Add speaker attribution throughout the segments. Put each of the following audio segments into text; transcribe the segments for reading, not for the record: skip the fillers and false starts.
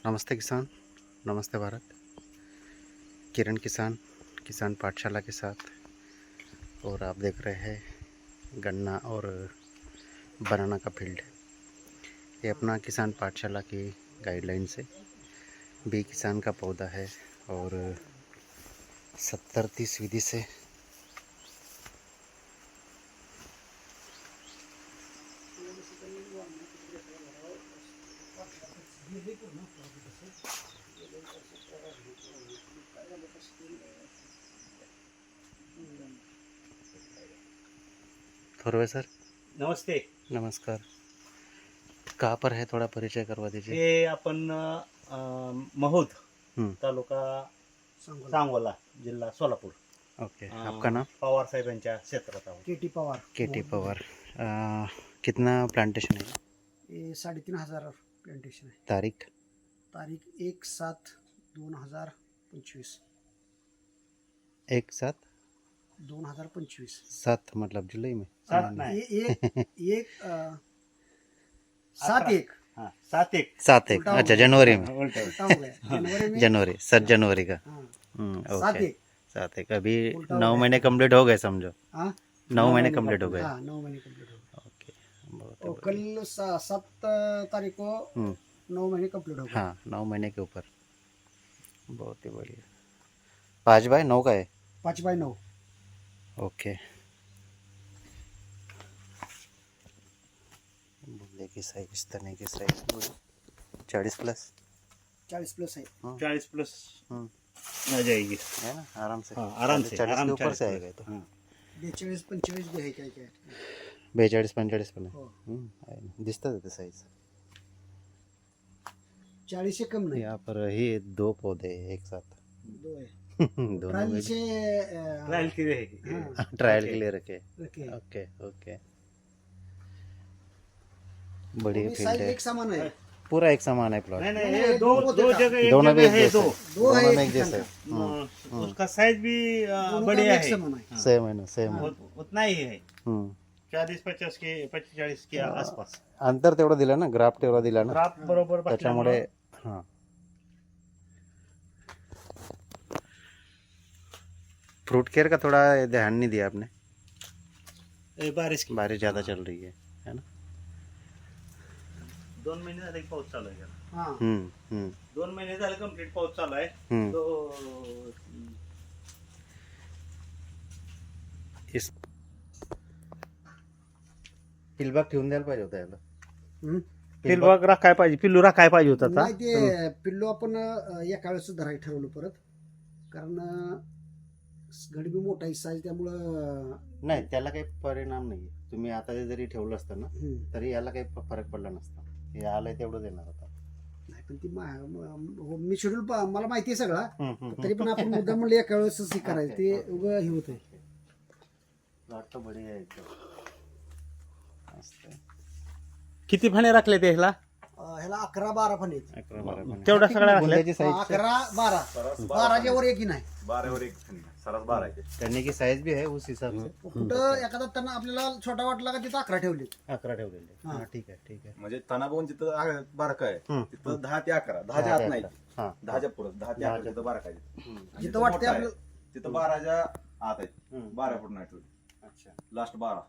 Speaker 1: नमस्ते किसान, नमस्ते भारत। किरण किसान पाठशाला के साथ, और आप देख रहे हैं गन्ना और बनाना का फील्ड। ये अपना किसान पाठशाला की गाइडलाइन से बी किसान का पौधा है और 70-30 विधि से थोरवे सर
Speaker 2: नमस्ते।
Speaker 1: नमस्कार। कहाँ पर है, थोड़ा परिचय करवा दीजिए।
Speaker 2: हे आपण महुद
Speaker 1: हम्म,
Speaker 2: तालुका सांगोला जिल्हा सोलापूर।
Speaker 1: ओके। आपका नाम?
Speaker 2: पवार साहेबांच्या क्षेत्रात आहोत।
Speaker 3: KT Pawar
Speaker 1: KT Pawar. कितना प्लांटेशन है?
Speaker 3: ये 3,500 प्लांटेशन है।
Speaker 1: तारीख?
Speaker 3: तारीख 1/7/2025 1/7/2025
Speaker 1: 7 मतलब जुलाई में?
Speaker 2: सात नाही,
Speaker 3: एक 7/1
Speaker 2: हाँ 7/1
Speaker 1: 7/1,
Speaker 3: उल्टा हो
Speaker 1: अच्छा
Speaker 3: गया।
Speaker 1: जनवरी में।
Speaker 2: उलटा
Speaker 3: उल्टा हो गया जनवरी में।
Speaker 1: जनवरी 7 जनवरी का।
Speaker 3: हाँ,
Speaker 1: ओके।
Speaker 3: 7/1
Speaker 1: 7/1 अभी
Speaker 3: उल्टा हो
Speaker 1: 9
Speaker 3: गया।
Speaker 1: महीने कंप्लीट हो गए समझो।
Speaker 3: हाँ
Speaker 1: 9 महीने कंप्लीट हो गए।
Speaker 3: हाँ 9 महीने कंप्लीट हो गए।
Speaker 1: ओके, बहुत
Speaker 3: और
Speaker 1: बढ़िया।
Speaker 3: कल 7 तारीख को
Speaker 1: हम्म,
Speaker 3: 9 महीने कंप्लीट हो गए।
Speaker 1: हाँ 9 महीने के ऊपर। बहुत ही बढ़िया। 5/9 का है?
Speaker 3: 5/9
Speaker 1: ओके। बुल्ले की साइज, तने की साइज 40+।
Speaker 3: 40+ है।
Speaker 2: 40+
Speaker 1: हम्म,
Speaker 2: आ जाएगी।
Speaker 1: है ना, आराम से।
Speaker 2: हाँ, आराम से
Speaker 1: 40
Speaker 2: आराम
Speaker 1: के ऊपर से
Speaker 2: 40+.
Speaker 1: आएगा ये तो।
Speaker 2: हाँ.
Speaker 3: 42-45 भी है क्या क्या
Speaker 1: 42-45 पण आहे.
Speaker 3: हो
Speaker 1: आहे ना. दिसतं ते साईज।
Speaker 3: 40 से कम नहीं।
Speaker 1: यहाँ पर ही 2 पौधे हैं एक साथ।
Speaker 3: 2 है।
Speaker 1: दोनों
Speaker 3: ट्रायल
Speaker 1: में
Speaker 3: से
Speaker 2: ट्रायल की है.
Speaker 3: हाँ
Speaker 1: ट्रायल के लिए रखे।
Speaker 3: रखे।
Speaker 1: Okay okay. बढ़िया फील्ड
Speaker 3: साइज
Speaker 1: है,
Speaker 3: एक समान है।
Speaker 1: पूरा एक समान है प्लॉट।
Speaker 2: नहीं नहीं,
Speaker 3: नहीं,
Speaker 2: ये
Speaker 3: नहीं,
Speaker 2: दो
Speaker 3: दो
Speaker 2: दो जगह एक
Speaker 1: दोनों भी
Speaker 2: जगह
Speaker 1: एक
Speaker 2: है
Speaker 1: जैसे
Speaker 2: दो.
Speaker 3: दो है
Speaker 1: दोनों में
Speaker 3: एक
Speaker 1: एक जैसे।
Speaker 2: उसका साइज भी
Speaker 3: दोनों का
Speaker 2: बढ़िया
Speaker 3: एक
Speaker 2: है.
Speaker 3: समान है।
Speaker 1: सेम है ना, सेम है।
Speaker 2: उतना ही है.
Speaker 1: हम्म,
Speaker 2: 40-50 के 45 के आसपास.
Speaker 1: अंतर तेवढं दिलं ना, ग्राफ तेवढा दिला ना,
Speaker 2: ग्राफ बरोबर
Speaker 1: त्याच्यामुळे
Speaker 2: बसल्यामुळे
Speaker 1: हां। फ्रूट केयर का थोड़ा ध्यान नहीं दिया आपने।
Speaker 2: बारिश की
Speaker 1: बारिश ज़्यादा चल रही है ना।
Speaker 2: 2 महिने झाले की पाऊस चालू आहे.
Speaker 3: हाँ
Speaker 2: 2 महिने झाले कंप्लीट पाऊस चालू आहे.
Speaker 1: हम्म।
Speaker 2: तो
Speaker 1: इस पिलबाग ठेवून द्यायला पाहिजे होता याला।
Speaker 3: हम्म.
Speaker 2: पिल्लू राखाय पाहिजे, पिल्लू राखाय पाहिजे होता.
Speaker 3: नाही ते पिल्लू आपण एका वेळेस धरायला ठरवलं परत, कारण घडी बी मोठा साईज त्यामुळं
Speaker 1: नाही, त्याला काही परिणाम नाही. तुम्ही आता जरी ठेवलं असतं ना तरी याला काही फरक पडला नसता. हे आलंय तेवढं देणार होता.
Speaker 3: नाही, पण ती मी शेड्यूल मला माहिती आहे सगळा, तरी पण आपण मुद्दा म्हणलं एका वेळेस हे करायचं ते उगं हे होतंय.
Speaker 1: प्लॉट तो बढिया आहे एकदम मस्त आहे.
Speaker 2: किती फणे राखले ते ह्याला?
Speaker 3: ह्याला 11-12 पण आहेत.
Speaker 1: 11-12 पण आहे.
Speaker 2: तेवढ्या सगळ्या राखल्या.
Speaker 1: बुंद्याची साईज
Speaker 3: 11-12 12च्या वर एकही नाही.
Speaker 4: 12 एक सरस 12 आहे.
Speaker 1: करने की साइज भी है उस हिसाब से।
Speaker 3: कुठं एखादा त्यांना आपल्याला छोटा वाटला का तिथं 11 ठेवले.
Speaker 1: 11 ठेवलेले.
Speaker 3: हां.
Speaker 1: हां, ठीक आहे ठीक आहे.
Speaker 4: म्हणजे तना बघून जिथं बारका आहे
Speaker 1: हम्म.
Speaker 4: तिथं 10 ते 11, 10च्या आत नाही,
Speaker 1: हां
Speaker 4: 10च्या पुढे 10 ते 11 तिथं बारका आहे.
Speaker 1: हम्म,
Speaker 4: आणि
Speaker 3: जिथं
Speaker 4: जिथं
Speaker 3: वाटते
Speaker 4: मोठा आहे,
Speaker 3: आपलं
Speaker 4: तिथं 12च्या आत आहे.
Speaker 1: हम्म.
Speaker 4: 12 फूट नाही ठेवली,
Speaker 1: अच्छा.
Speaker 4: लास्ट 12.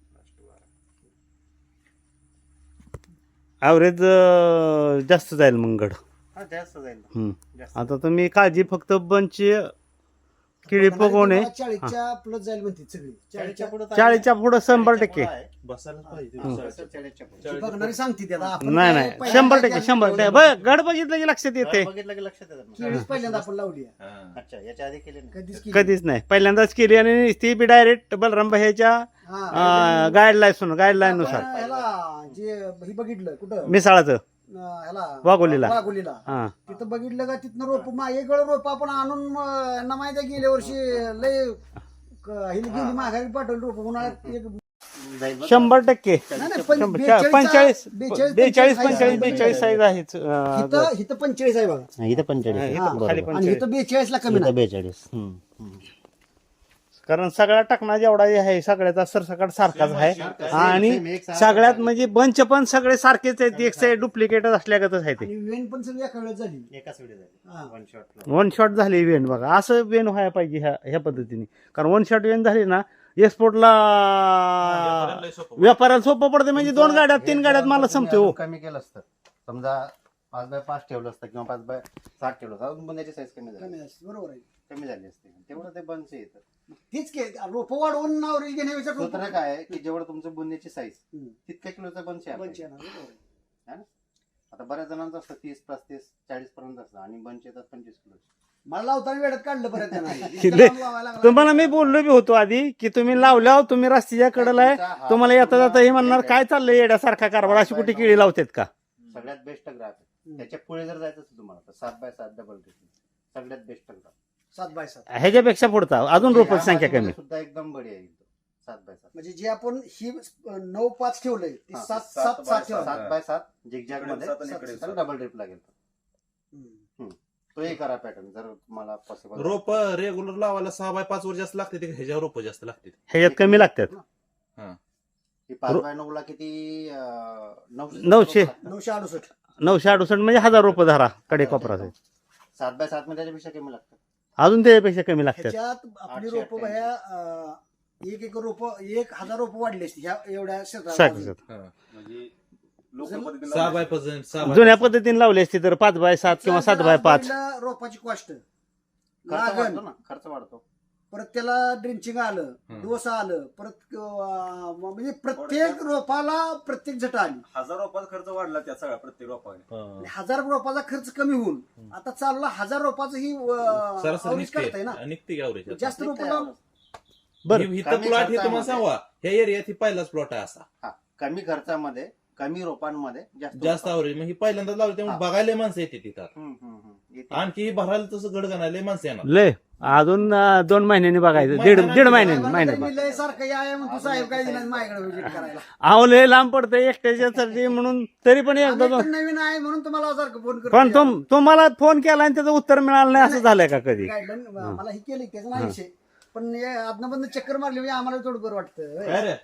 Speaker 2: ॲव्हरेज जास्त जाईल मग गड.
Speaker 1: हां, जास्त जाईल ना.
Speaker 2: हम्म.
Speaker 1: जास्त.
Speaker 2: आता तुम्ही काळजी फक्त बंच किडी पगवणे
Speaker 3: 40च्या प्लस जाईल म्हणते सगळी. 40च्या
Speaker 1: पुढं तर
Speaker 2: 40च्या पुढं 100%.
Speaker 1: आहे.
Speaker 4: बसायलाच पाहिजे.
Speaker 1: बसायचं 40च्या पुढं.
Speaker 3: ती बघणारी सांगते त्याला. आपण
Speaker 2: नाही
Speaker 3: काय
Speaker 2: नाही
Speaker 3: पहिल्यांदा
Speaker 2: 100%.
Speaker 3: ज्या
Speaker 2: 100%. बघ गड बघितलं की लक्षात येते.
Speaker 1: बघितलं की लक्षात येतं ना.
Speaker 3: केळीच पहिल्यांदा आपण लावली आहे.
Speaker 4: हां.
Speaker 1: अच्छा, याच्या आधी केले नाही.
Speaker 3: कधीच केली
Speaker 2: कधीच नाही, पहिल्यांदाच केली आणि ती बी डायरेक्ट बलराम ह्याच्या
Speaker 3: हा.
Speaker 2: गाईडलाईन नुसार
Speaker 3: आपण ह्याला जे हे बघितलं कुठं
Speaker 2: मिसाळाचं
Speaker 3: ह्याला
Speaker 2: वाघोलीला.
Speaker 3: वाघोलीला
Speaker 2: हा
Speaker 3: तिथं बघितलं का तिथनं रोप मागे गळ रोप आपण आणून यांना माहिती आहे गेल्या वर्षी लय हिला गेली माघारी पाठवली रोप उन्हाळ्यात एक
Speaker 2: 100%.
Speaker 3: नाही, नाही,
Speaker 2: 45 42 45 42 साईज आहे.
Speaker 3: इथं 45 आहे बघा.
Speaker 1: हां, इथं 45 आहे.
Speaker 2: इथं
Speaker 1: बरोबर.
Speaker 2: खाली
Speaker 3: आणि इथं 42 ला कमी
Speaker 1: इथं
Speaker 3: नाही.
Speaker 1: 42.
Speaker 2: कारण सगळा टाकणा जेवढा आहे सगळ्याचा सरसकट सारखाच आहे आणि सगळ्यात म्हणजे बंच पण सगळे सारखेच आहेत एक साईड डुप्लिकेट असल्यागतच आहे ते
Speaker 3: आणि वेन पण सगळी एका वेळेस झाली
Speaker 1: एकाच वेळी झाली
Speaker 3: हा.
Speaker 1: वन शॉट
Speaker 2: वन शॉट झाली वेन बघा असं वेन व्हायला पाहिजे ह्या पद्धतीने कारण वन शॉट वेन झाली ना एक्सपोर्टला व्यापाऱ्याला सोपं पडते म्हणजे 2 गाड्यात 3 गाड्यात मला संपते हो
Speaker 1: कमी केलं असतं समजा 5x5 ठेवलं असतं किंवा 5x7 ठेवलं असतं अजून बुंद्याची साईज कमी झाली
Speaker 3: कमी असते, बरोबर आहे.
Speaker 1: कमी झाली असते तेवढं ते बंच येतं
Speaker 3: तीच के रोप वाढवून नावरी घेण्यापेक्षा रोपं-
Speaker 1: सूत्र काय आहे की जेवढं तुमचं बुंद्याची साईज
Speaker 3: हम्म.
Speaker 1: तितक्या किलोचा बंच आहे
Speaker 3: बंच
Speaker 1: आपल्याकडे.
Speaker 3: येणार, बरोबर आहे.
Speaker 1: है ना? आता बऱ्याच जणांचं असतं 30, 35, 40 पर्यंत असतं आणि बंच येतात 25 किलो
Speaker 3: मला लावताना वेळात काढलं परत त्यांना.
Speaker 2: लय- तुम्हाला मी बोललो बी होतो आधी की तुम्ही लावल्यावर तुम्ही रस्त्याच्या कडेला आहे तुम्हाला येता जाता हे म्हणणार काय चाललंय येड्यासारखा कारभार अशी कुठे केळी लावतात का
Speaker 1: सगळ्यात बेस्ट ग्राफ आहे त्याच्या पुढे जर जायचं असेल तुम्हाला तर 7x7 डबल सगळ्यात बेस्ट ग्राफ
Speaker 3: 7x7
Speaker 2: ह्याच्यापेक्षा पुढचा अजून रोपाची संख्या कमी
Speaker 1: सुद्धा एकदम बढिया आहे 7x7
Speaker 3: म्हणजे जे आपण ही 9-5 ठेवलंय ते
Speaker 1: हा,
Speaker 3: 7-7 ठेवलं.
Speaker 1: 7x7 झिगझॅग मध्ये
Speaker 4: इकडे 7 आणि इकडे 7.
Speaker 1: डबल ड्रिप लागेल
Speaker 3: हम्म.
Speaker 1: तोही करा पॅटर्न जर तुम्हाला पॉसिबल
Speaker 5: रोप रेग्युलर लावायला 6x5 वर जास्त लागते ह्याच्यावर रोप जास्त लागते
Speaker 2: ह्याच्यात कमी लागतात
Speaker 1: 5x9 ला किती
Speaker 2: 900.
Speaker 3: 968
Speaker 2: 968 म्हणजे 1000 रुपये धरा कडे कोपराचे
Speaker 1: 7x7 मध्ये त्याच्यापेक्षा कमी लागतं
Speaker 2: अजून त्याच्यापेक्षा कमी लागतात
Speaker 3: ह्याच्यात आपली
Speaker 1: 888.
Speaker 3: रोप भया एक रोप 1000 रोप वाढली असती ह्या एवढ्या क्षेत्रात.
Speaker 2: सारखं
Speaker 4: म्हणजे लोकल पद्धतीने
Speaker 5: 6x5
Speaker 2: जुन्या पद्धतीने लावली असती तर 5x7 किंवा 7x5
Speaker 3: पहिला रोपाची कॉस्ट
Speaker 1: खर्च वाढतो ना खर्च वाढतो
Speaker 3: परत त्याला ड्रिंचिंग आलं डोस आलं परत म्हणजे प्रत्येक रोपाला प्रत्येक झट आली
Speaker 4: 1000 रुपयाचा खर्च वाढला त्या सगळ्या प्रत्येक रोपाने
Speaker 3: आणि 1000 रोपाचा खर्च कमी होऊन आता चालला 1000 रोपाचं ही
Speaker 5: सरासरी
Speaker 3: average करताय ना
Speaker 5: निघते ॲव्हरेज
Speaker 3: जास्त रोप लावलं
Speaker 2: बरं
Speaker 5: इथं
Speaker 1: कमी
Speaker 5: प्लॉट हे तुम्हाला
Speaker 1: खर्चामध्ये.
Speaker 5: सांगा ह्या एरियात ही पहिलाच प्लॉट आहे असा
Speaker 1: हा कमी खर्चामध्ये कमी रोपांमध्ये
Speaker 5: जास्त ॲव्हरेज मग ही पहिल्यांदा लावली त्यामुळे बघायला माणसं येते तिथं
Speaker 1: येते.
Speaker 5: आणखी ही भरायला तसं गडगणाला माणसं येणार
Speaker 2: लय अजून 2 महिन्यांनी बघायचं दीड महिन्यांनी
Speaker 3: लय सारखं या म्हणतो साहेब काय दिला माझ्याकडे विजिट करायला
Speaker 2: अहो लय लांब पडतंय एकट्याच्यासाठी म्हणून तरी पण एकदा
Speaker 3: आम्ही
Speaker 2: दोन
Speaker 3: तर नवीन आहे म्हणून तुम्हाला सारखं फोन
Speaker 2: पण तुम्हाला फोन केला आणि त्याचं उत्तर मिळालं नाही असं झालंय का कधी
Speaker 3: गाईडलाईन मला ही केली त्याचा नाही विषय पण आदनबंद चक्कर मारली म्हणजे आम्हाला थोडं बरं वाटतं
Speaker 5: काय रे?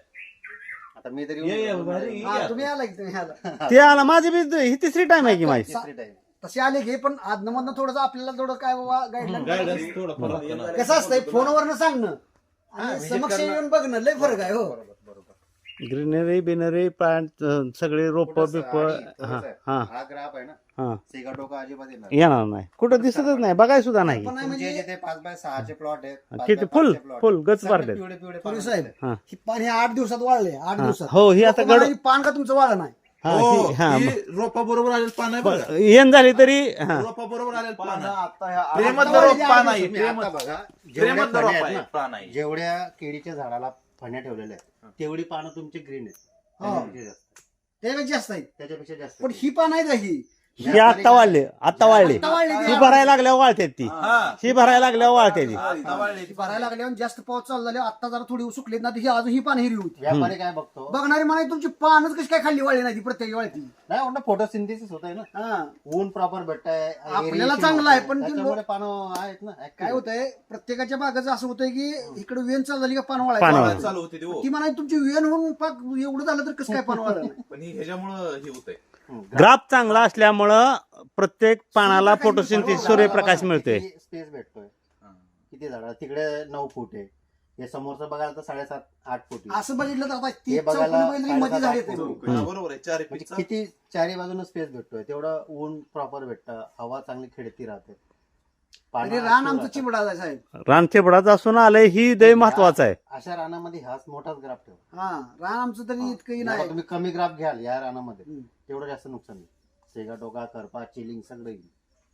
Speaker 1: आता मी तरी
Speaker 5: ये, ये, भारी.
Speaker 3: हा, तुम्ही आला की तुम्ही आला
Speaker 2: ते आला माझी बी ही 3री टाइम आहे की माझी
Speaker 1: तिसरी time.
Speaker 3: तसे आले घे पण आदनमधनं थोडंसं आपल्याला थोडं काय बाबा
Speaker 5: गायडन्स
Speaker 3: गाईडलाईन
Speaker 5: थोडं फरक आहे ना.
Speaker 3: कसं असतंय फोनवरनं सांगणं आणि समक्ष येऊन बघणं लय फरक आहे हो
Speaker 1: बरोबर बरोबर
Speaker 2: ग्रीनरी बिनरी प्लांट सगळे रोप
Speaker 1: थोडंसं
Speaker 2: बिप
Speaker 1: आणि
Speaker 2: हा
Speaker 1: थोडंसं
Speaker 2: हा
Speaker 1: हा ग्राफ आहे ना
Speaker 2: हा
Speaker 1: सेगा डोका अजिबात येणार
Speaker 2: येणार नाही कुठं दिसतच नाही बघाय सुद्धा नाही
Speaker 3: पण नाही
Speaker 1: तुमचे
Speaker 3: म्हणजे
Speaker 1: जिथे 5x6 चे प्लॉट आहेत
Speaker 2: किती
Speaker 1: 5x5
Speaker 2: फुल
Speaker 1: चे plot
Speaker 2: फुल
Speaker 1: आहेत,
Speaker 2: गच
Speaker 1: सगळे
Speaker 2: भरले
Speaker 1: पिवळे पिवळे
Speaker 3: फुले
Speaker 1: पानं
Speaker 3: साहेब
Speaker 1: दिसतात.
Speaker 2: हा.
Speaker 3: ही पान हे 8 दिवसात वाळले 8
Speaker 2: हा.
Speaker 3: दिवसात
Speaker 2: हो ही आता
Speaker 3: लोकं म्हणाले,
Speaker 2: गड
Speaker 3: ही पान का तुमचं वाळलं नाही
Speaker 2: हा
Speaker 5: हो,
Speaker 2: ही- हा
Speaker 5: ही रोपा बरोबर आलेलं पान आहे बघा
Speaker 2: येण झाली तरी हा
Speaker 5: रोपा बरोबर आलेलं पान
Speaker 4: पानं
Speaker 5: आहे.
Speaker 4: आता ह्या
Speaker 5: प्रेमतलं
Speaker 3: आता
Speaker 5: रोप
Speaker 3: वाढली
Speaker 5: पान
Speaker 3: आहे
Speaker 5: आहे
Speaker 1: तुम्ही आता
Speaker 5: प्रेमत
Speaker 1: बघा जेवढ्या
Speaker 5: प्रेमतलं
Speaker 1: फण्या
Speaker 5: रोप
Speaker 1: आहेत
Speaker 5: आहे
Speaker 1: ना,
Speaker 5: पान आहे
Speaker 1: जेवढ्या केळीच्या झाडाला फण्या ठेवलेल्या आहेत तेवढी पानं तुमची ग्रीन आहेत
Speaker 3: हो.
Speaker 1: त्याच्यापेक्षा जास्त.
Speaker 3: त्यापेक्षा जास्त आहे
Speaker 1: त्याच्यापेक्षा जास्त
Speaker 3: पण ही पान आहे का ही
Speaker 2: ही आत्ता वाढली आत्ता वाढली
Speaker 3: आत्ता वाढली ती.
Speaker 2: ही भरायला लागल्यावर वाळते ती
Speaker 5: हा.
Speaker 2: ही भरायला लागल्यावर वाळते ती
Speaker 5: आता वाढली ती.
Speaker 3: भरायला लागल्यावर जास्त पाऊस चालू झाल्यावर आता जरा थोडी सुकलीत ना ही अजून ही पान हिरवी होती
Speaker 1: व्यापारी काय बघतो
Speaker 3: बघणारी म्हणाय तुमची पानच कशी काय खाल्ली वाळली नाही ती प्रत्येक वाळती
Speaker 1: नाही म्हणलं फोटोसिंथेसिस होत आहे ना
Speaker 3: हा
Speaker 1: ऊन प्रॉपर भेटतंय
Speaker 3: आपल्याला
Speaker 1: aeration
Speaker 3: चांगलं आहे,
Speaker 1: होतंय,
Speaker 3: पण ते
Speaker 1: त्याच्यामुळे पानं आहेत ना active.
Speaker 3: काय होतंय प्रत्येकाच्या बागाचं असं होतंय की इकडे वेण चालू झाली का पान
Speaker 2: पान
Speaker 3: वाळायचं
Speaker 2: वाळायचं.
Speaker 5: चालू होती ती हो.
Speaker 3: ती म्हणाय तुमची वेण होऊन पाक एवढं झालं तर कसं काय पान वाळलं नाही?
Speaker 5: पण ही ह्याच्यामुळं हे होतंय
Speaker 2: ग्राफ चांगला असल्यामुळं प्रत्येक पानाला फोटोसिंथेसिस सूर्यप्रकाश मिळतोय
Speaker 1: स्पेस भेटतोय किती झाड तिकडे 9 फूट आहे हे समोरचं बघायला तर 7.5-8 फूट आहे.
Speaker 3: असं बघितलं तर आता ती
Speaker 1: हे बघायला
Speaker 3: चौकोनी बैल मध्ये झाड येते
Speaker 1: साडेसात
Speaker 5: हा, बरोबर आहे 4
Speaker 1: म्हणजे
Speaker 5: फीटचा.
Speaker 1: किती चारी बाजूने स्पेस भेटतोय तेवढं ऊन प्रॉपर भेटतं हवा चांगली खेळती राहते पानं
Speaker 3: तरी रान
Speaker 1: active
Speaker 3: आमचं
Speaker 1: राहतात.
Speaker 3: चिबडा आहे साहेब
Speaker 2: रान चिबडाचं असून आलंय ही दय महत्वाचं आहे
Speaker 1: अशा रानामध्ये हाच मोठाच ग्राफ ठेवा
Speaker 3: हा रान आमचं तरी इतकंही
Speaker 1: जेव्हा
Speaker 3: नाही
Speaker 1: तुम्ही कमी ग्राफ घ्याल या रानामध्ये
Speaker 3: हम्म.
Speaker 1: तेवढं जास्त नुकसान नाही सेगा टोका करपा चिलिंग सगळं येईल.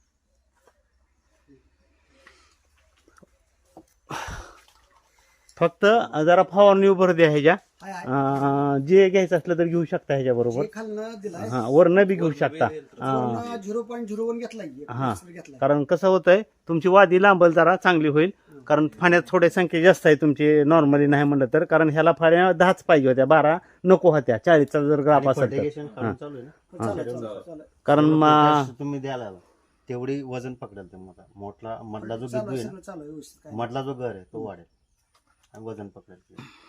Speaker 2: फक्त जरा फवारणी भर द्या ह्याच्या
Speaker 3: हाय, हाय.
Speaker 2: जे घ्यायचं असलं तर घेऊ शकता ह्याच्या बरोबर
Speaker 3: जे खालनं दिलाय
Speaker 2: हा वरनं बी घेऊ शकता हा
Speaker 3: 0.01 घेतलाय
Speaker 2: हा.
Speaker 3: घेतलाय
Speaker 2: कारण कसं होतंय तुमची वादी लांबल जरा चांगली होईल कारण फाण्यात थोड्या संख्या जास्त आहे तुमची नॉर्मली नाही म्हणलं तर कारण ह्याला फाण्या 10च पाहिजे होत्या 12 नको होत्या 40चा जर ग्राफ
Speaker 1: आणि
Speaker 2: असेल तर
Speaker 1: fertigation काढून चालू आहे ना
Speaker 3: चालेल.
Speaker 2: कारण
Speaker 1: पोटॅश तुम्ही द्यायला तेवढी वजन पकडेल तुम्हाला मधला जो
Speaker 3: चालू
Speaker 1: बिंदू
Speaker 3: आहे,
Speaker 1: आहे
Speaker 3: सगळं चालू आहे व्यवस्थित काय
Speaker 1: ना मधला जो घर आहे तो वाढेल वजन पकडेल